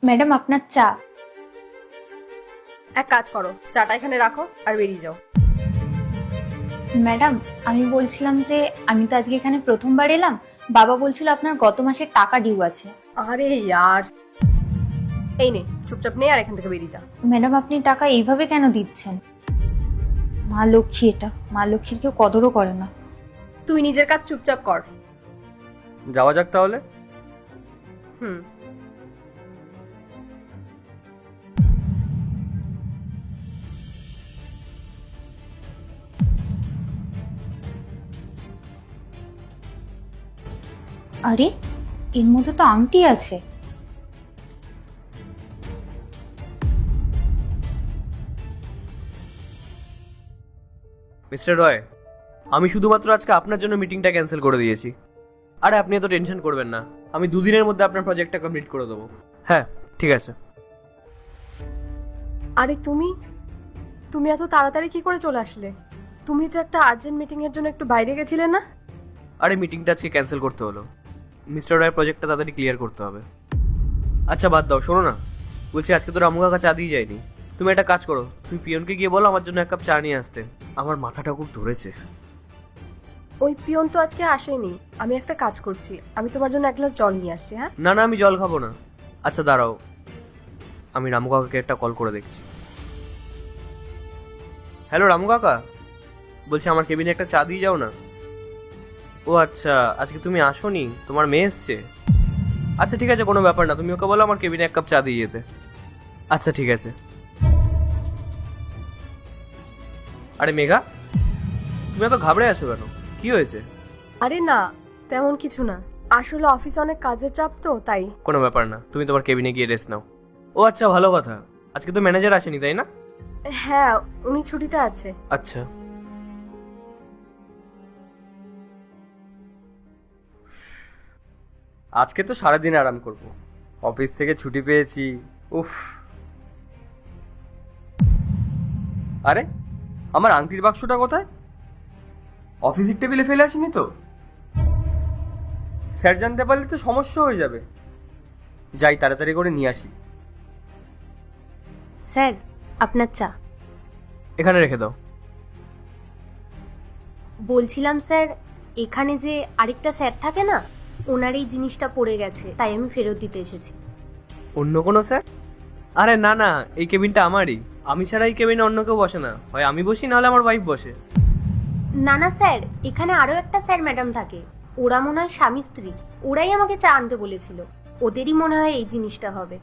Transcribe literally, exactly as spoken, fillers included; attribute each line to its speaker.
Speaker 1: Madam আপনার চা।
Speaker 2: এক কাজ করো, চাটা এখানে রাখো আর বেরিয়ে যাও।
Speaker 1: ম্যাডাম আমি বলছিলাম যে আমি তো আজকে এখানে প্রথমবার এলাম, বাবা বলছিল আপনার গত মাসের টাকা ডিউ আছে।
Speaker 2: আরে ইয়ার, এই নে চুপচাপ নে আর এখান থেকে বেরিয়ে যা।
Speaker 1: ম্যাডাম আপনি টাকা এইভাবে কেন দিচ্ছেন? মা লক্ষ্মী, এটা মা লক্ষ্মীর কেউ কদরও করে না।
Speaker 2: তুই নিজের কাজ চুপচাপ কর।
Speaker 3: যাওয়া যাক তাহলে।
Speaker 2: হুম।
Speaker 1: আরে এর মধ্যে তো আংটি আছে।
Speaker 3: মিস্টার রয়, আমি শুধুমাত্র আজকে আপনার জন্য মিটিংটা ক্যান্সেল করে দিয়েছি। আরে আপনি এত টেনশন করবেন না, আমি দুদিনের মধ্যে আপনার প্রজেক্টটা কমপ্লিট করে দেবো। হ্যাঁ ঠিক আছে।
Speaker 2: আরে তুমি তুমি এত তাড়াতাড়ি কি করে চলে আসলে? তুমি তো একটা আর্জেন্ট মিটিং এর জন্য একটু বাইরে গেছিলে না?
Speaker 3: আরে মিটিংটা আজকে ক্যান্সেল করতে হলো, মিস্টার রয়ের প্রজেক্টটা তাড়াতাড়ি ক্লিয়ার করতে হবে। আচ্ছা বাদ দাও, শোনো না, বলছি আজকে তো রামু কাকা চা দিয়ে যায়নি। তুমি একটা কাজ করো, তুমি পিয়নকে গিয়ে বলো আমার জন্য এক কাপ চা নিয়ে আসতে, আমার মাথাটা খুব ধরেছে।
Speaker 2: ওই পিয়ন তো আজকে আসেনি। আমি একটা কাজ করছি, আমি তোমার জন্য এক গ্লাস জল নিয়ে আসছি। হ্যাঁ
Speaker 3: না না, আমি জল খাবো না। আচ্ছা দাঁড়াও, আমি রামু কাকাকে একটা কল করে দেখছি। হ্যালো রামু কাকা, বলছি আমার কেবিনে একটা চা দিয়ে যাও না। ও আচ্ছা, আজকে তুমি আসোনি, তোমার মেয়ে এসছে। আচ্ছা ঠিক আছে, কোনো ব্যাপার না, তুমি ওকে বলো আমার কেবিনে এক কাপ চা দিয়ে যেতে। আচ্ছা ঠিক আছে। আরে মেঘা, তুমি এত ঘাবড়ে আছো কেন? কি হয়েছে?
Speaker 2: আরে না, তেমন কিছু না। আসলে অফিসে অনেক কাজের চাপ তো তাই।
Speaker 3: কোনো ব্যাপার না, তুমি তোমার কেবিনে গিয়ে রেস্ট নাও। ও আচ্ছা, ভালো কথা, আজকে তো ম্যানেজার আসেনি তাই না?
Speaker 2: হ্যাঁ, উনি ছুটিতে আছে।
Speaker 3: আচ্ছা।
Speaker 4: আজকে তো সারাদিন আরাম করব, অফিস থেকে ছুটি পেয়েছি। উফ। আরে আমার আংটির বাক্সটা কোথায়? অফিসের টেবিলে ফেলে আসিনি তো? স্যার জানতে পারলে তো সমস্যা হয়ে যাবে। যাই তাড়াতাড়ি করে নিয়ে আসি।
Speaker 1: স্যার আপনার চা।
Speaker 3: এখানে রেখে দাও।
Speaker 5: বলছিলাম স্যার, এখানে যে আরেকটা স্যার থাকে না, ওনার এই জিনিসটা পড়ে গেছে, তাই আমি ফেরত দিতে এসেছি।
Speaker 3: অন্য কোনো স্যার? আরে না না, এই কেবিনটা আমারই, আমি ছাড়া এই কেবিনে অন্য কেউ বসে না, হয় আমি বসি নাহলে আমার ওয়াইফ বসে।
Speaker 5: না না স্যার, এখানে আরও একটা স্যার ম্যাডাম থাকে, ওরা মনে হয় স্বামী স্ত্রী, ওরাই আমাকে চা আনতে বলেছিল, ওদেরই মনে হয় এই জিনিসটা হবে।